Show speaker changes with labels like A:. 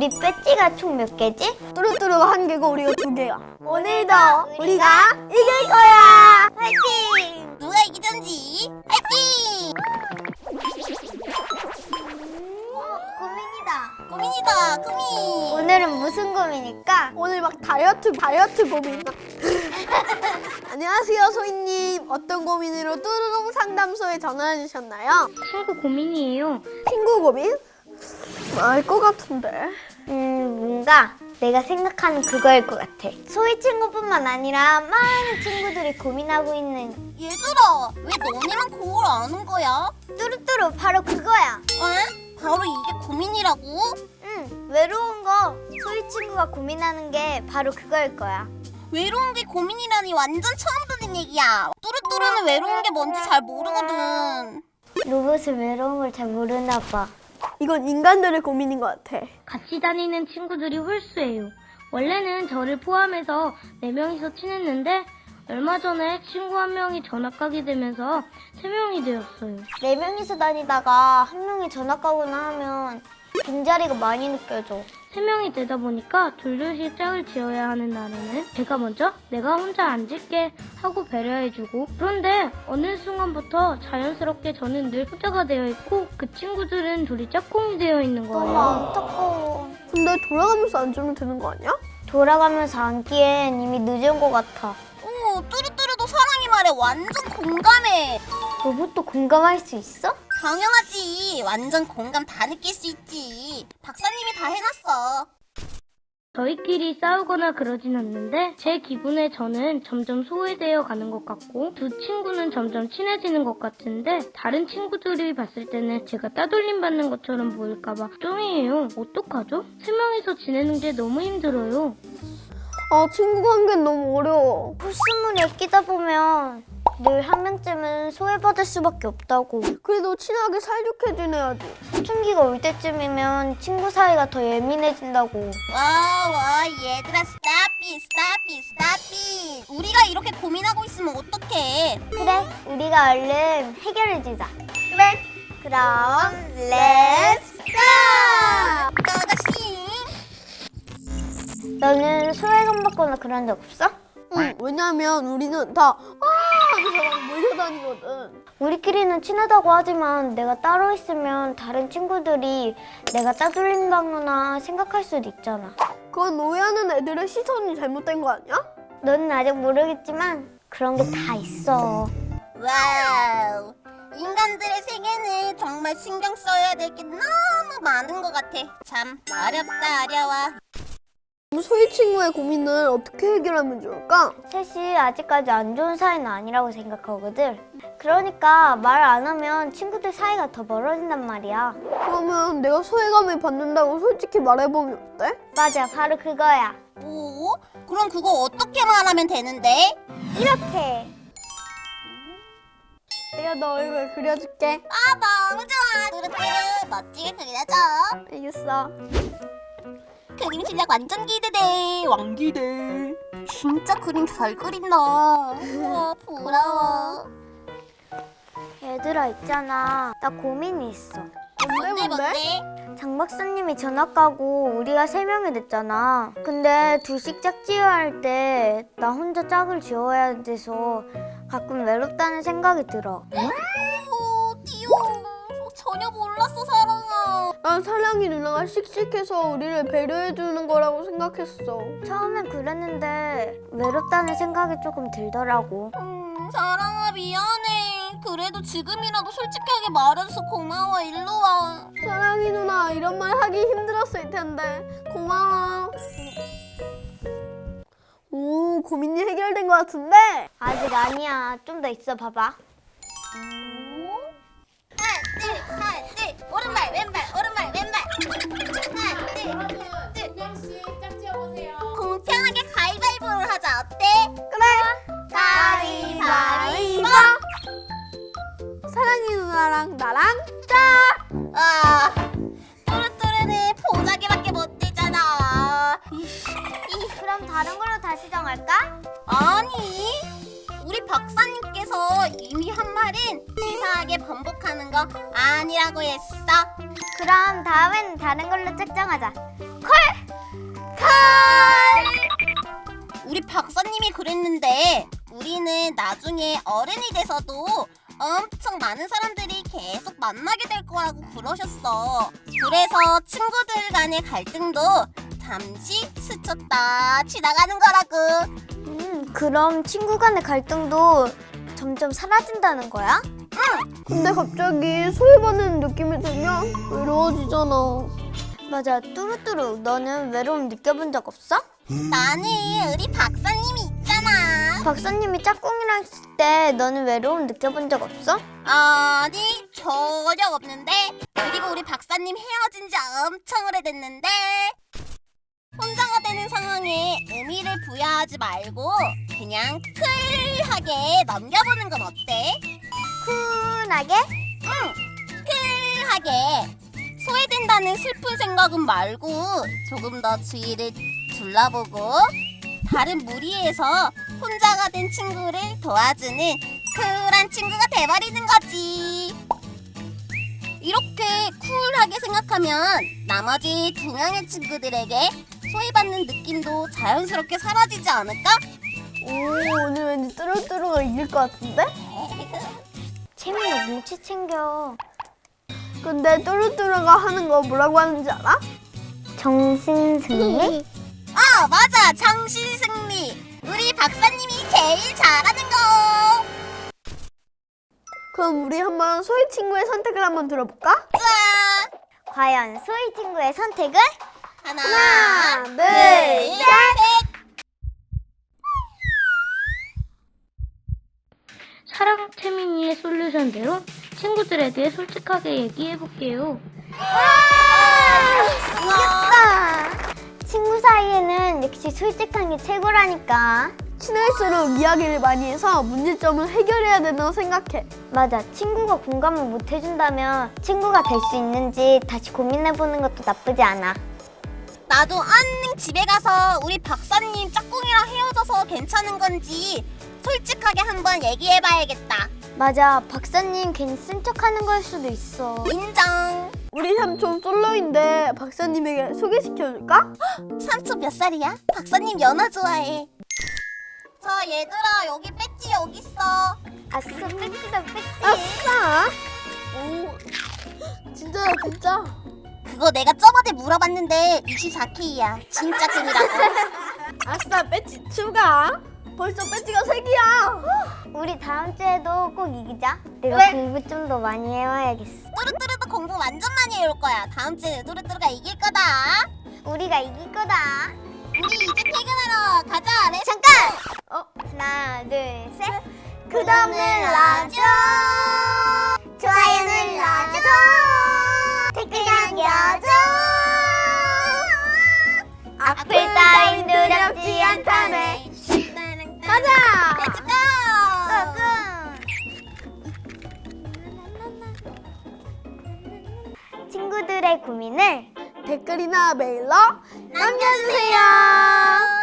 A: 우리 배지가 총 몇 개지?
B: 뚜루뚜루가 1개고 우리가 2개야. 오늘도 우리가 이길 거야.
A: 화이팅!
C: 누가 이기던지 화이팅!
A: 고민이다.
C: 고민.
A: 오늘은 무슨 고민일까?
B: 오늘 막 다이어트 고민. 안녕하세요, 소희님. 어떤 고민으로 뚜루롱 상담소에 전화해 주셨나요?
D: 친구 고민이에요.
B: 친구 고민? 알 것 같은데.
A: 뭔가 내가 생각하는 그거일 것 같아. 소희 친구뿐만 아니라 많은 친구들이 고민하고 있는
C: 얘들아, 왜 너네만 그걸 아는 거야?
A: 뚜루뚜루 바로 그거야.
C: 바로 이게 고민이라고?
A: 응, 외로운 거 소희 친구가 고민하는 게 바로 그거일 거야.
C: 외로운 게 고민이라니 완전 처음 듣는 얘기야. 뚜루뚜루는 외로운 게 뭔지 잘 모르거든.
A: 로봇은 외로운 걸 잘 모르나 봐.
B: 이건 인간들의 고민인 것 같아.
D: 같이 다니는 친구들이 홀수예요. 원래는 저를 포함해서 4명이서 친했는데 얼마 전에 친구 1명이 전학 가게 되면서 3명이 되었어요.
A: 4명이서 다니다가 한 명이 전학 가거나 하면 빈자리가 많이 느껴져.
D: 3명이 되다 보니까 둘둘씩 짝을 지어야 하는 날에는 제가 먼저 내가 혼자 앉을게 하고 배려해주고, 그런데 어느 순간부터 자연스럽게 저는 늘 혼자가 되어 있고 그 친구들은 둘이 짝꿍이 되어 있는
A: 너무
D: 거예요.
A: 안타까워.
B: 근데 돌아가면서 앉으면 되는 거 아니야?
A: 돌아가면서 앉기엔 이미 늦은 것 같아.
C: 오, 뚜루뚜루도 사랑이 말에 완전 공감해.
A: 로봇도 공감할 수 있어?
C: 당연하지. 완전 공감 다 느낄 수 있지. 박사님이 다 해놨어.
D: 저희끼리 싸우거나 그러진 않는데 제 기분에 저는 점점 소외되어 가는 것 같고 두 친구는 점점 친해지는 것 같은데 다른 친구들이 봤을 때는 제가 따돌림 받는 것처럼 보일까봐 걱정이에요. 어떡하죠? 3명이서 지내는 게 너무 힘들어요.
B: 친구 관계는 너무 어려워.
A: 코스모를 끼다 보면 늘 한 명쯤은 소외받을 수밖에 없다고.
B: 그래도 친하게 사이좋게 지내야지.
A: 사춘기가 올 때쯤이면 친구 사이가 더 예민해진다고.
C: 와, 얘들아, 스탑잇. 우리가 이렇게 고민하고 있으면 어떡해?
A: 그래, 우리가 얼른 해결해주자. 그래. 그럼 렛츠 고!
C: 아가씨.
A: 너는 소외감 받거나 그런 적 없어?
B: 응, 왜냐면 우리는 다 하면서 막 몰려다니거든.
A: 우리끼리는 친하다고 하지만 내가 따로 있으면 다른 친구들이 내가 따돌림당하나 생각할 수도 있잖아.
B: 그건 오해하는 애들의 시선이 잘못된 거 아니야?
A: 너는 아직 모르겠지만 그런 게 다 있어.
C: 와우. 인간들의 세계는 정말 신경 써야 될 게 너무 많은 것 같아. 참 어려워.
B: 소희 친구의 고민을 어떻게 해결하면 좋을까?
A: 셋이 아직까지 안 좋은 사이는 아니라고 생각하거든. 그러니까 말 안 하면 친구들 사이가 더 멀어진단 말이야.
B: 그러면 내가 소외감을 받는다고 솔직히 말해보면 어때?
A: 맞아, 바로 그거야.
C: 뭐? 그럼 그거 어떻게 말하면 되는데?
A: 이렇게.
B: 내가 너 얼굴 그려줄게.
C: 너무 좋아. 뚜루뚜루 멋지게 그려줘.
B: 알겠어.
C: 그림 실력 완전 기대돼. 왕기대. 진짜 그림 잘 그린다. 우와, 부러워.
A: 얘들아 있잖아. 나 고민이 있어.
B: 뭔데?
A: 장 박사님이 전학 가고 우리가 3명이 됐잖아. 근데 둘씩 짝 지어야 할 때 나 혼자 짝을 지어야 돼서 가끔 외롭다는 생각이 들어.
C: 띠용. 전혀 몰랐어, 사랑아.
B: 난 사랑이 누나가 씩씩해서 우리를 배려해주는 거라고 생각했어.
A: 처음엔 그랬는데 외롭다는 생각이 조금 들더라고.
C: 사랑아, 미안해. 그래도 지금이라도 솔직하게 말해줘서 고마워. 일로 와.
B: 사랑이 누나 이런 말 하기 힘들었을 텐데 고마워. 오, 고민이 해결된 것 같은데?
A: 아직 아니야. 좀 더 있어 봐봐.
C: 하나, 둘. 오른발, 왼발, 오른발, 왼발. 하나, 둘.
E: 짝 지어보세요.
C: 공평하게 가위바위보를 하자. 어때?
B: 그래.
C: 가위바위보.
B: 사랑이 누나랑 나랑 짝.
C: 뚜루뚜루는 보자기밖에 못 되잖아.
A: 그럼 다른 걸로 다시 정할까?
C: 아니, 우리 박사님께서 이미 한 말을 치사하게 반복하는 거 아니라고 했어.
A: 그럼 다음엔 다른 걸로 짝정하자.
C: 우리 박사님이 그랬는데 우리는 나중에 어른이 돼서도 엄청 많은 사람들이 계속 만나게 될 거라고 그러셨어. 그래서 친구들 간의 갈등도 잠시 스쳤다 지나가는 거라고.
A: 그럼 친구 간의 갈등도 점점 사라진다는 거야?
B: 근데 갑자기 소외받는 느낌이 들면 외로워지잖아.
A: 맞아, 뚜루뚜루. 너는 외로움 느껴본 적 없어?
C: 나는 우리 박사님이 있잖아.
A: 박사님이 짝꿍이랑 있을 때 너는 외로움 느껴본 적 없어?
C: 아니 전혀 없는데. 그리고 우리 박사님 헤어진 지 엄청 오래됐는데 혼자가 되는 상황에 의미를 부여하지 말고 그냥 쿨하게 넘겨보는 건 어때?
A: 쿨하게?
C: 쿨하게. 소외된다는 슬픈 생각은 말고 조금 더 주위를 둘러보고 다른 무리에서 혼자가 된 친구를 도와주는 쿨한 친구가 돼버리는 거지. 이렇게 쿨하게 생각하면 나머지 두 명의 친구들에게 소외받는 느낌도 자연스럽게 사라지지 않을까?
B: 오, 오늘 왠지 뚜루뚜루가 이길 것 같은데?
A: 채민아 눈치 챙겨.
B: 근데 뚜루뚜루가 하는 거 뭐라고 하는지 알아?
A: 정신승리?
C: 맞아, 정신승리. 우리 박사님이 제일 잘하는 거.
B: 그럼 우리 한번 소희 친구의 선택을 한번 들어볼까?
C: 짠.
A: 과연 소희 친구의 선택은?
C: 하나,
B: 둘,
C: 셋.
D: 사랑 채민이의 솔루션대로 친구들에게 솔직하게 얘기해볼게요.
A: 이겼다! 친구 사이에는 역시 솔직한 게 최고라니까.
B: 친할수록 이야기를 많이 해서 문제점을 해결해야 된다고 생각해.
A: 맞아, 친구가 공감을 못 해준다면 친구가 될 수 있는지 다시 고민해보는 것도 나쁘지 않아.
C: 나도 얼른 집에 가서 우리 박사님 짝꿍이랑 헤어져서 괜찮은 건지 솔직하게 한번 얘기해봐야겠다.
A: 맞아, 박사님 괜히 쓴 척하는 걸 수도 있어.
C: 인정.
B: 우리 삼촌 솔로인데 박사님에게 소개시켜줄까?
C: 삼촌 몇 살이야? 박사님 연하 좋아해. 자 얘들아, 여기 배지 여기 있어.
A: 아싸, 뺏기다 뺏기.
B: 아싸! 오, 진짜야 진짜.
C: 그거 내가 저번에 물어봤는데 24K야. 진짜 찐이라고.
B: 아싸, 배지 추가. 벌써 배지가 3개야.
A: 우리 다음 주에도 꼭 이기자. 내가
C: 왜?
A: 공부 좀 더 많이 해와야겠어.
C: 뚜루뚜루도 공부 완전 많이 해올 거야. 다음 주에 뚜루뚜루가 이길 거다.
A: 우리가 이길 거다.
C: 우리 이제 퇴근하러 가자. 렛츠
A: 잠깐! 하나, 둘, 셋. 구독 눌러줘. 좋아요 눌러줘. 댓글 남겨줘. 악플 따윈 두렵지 않다네.
C: 가자. 렛츠 고.
A: 친구들의 고민을
B: 댓글이나 메일로
C: 남겨주세요.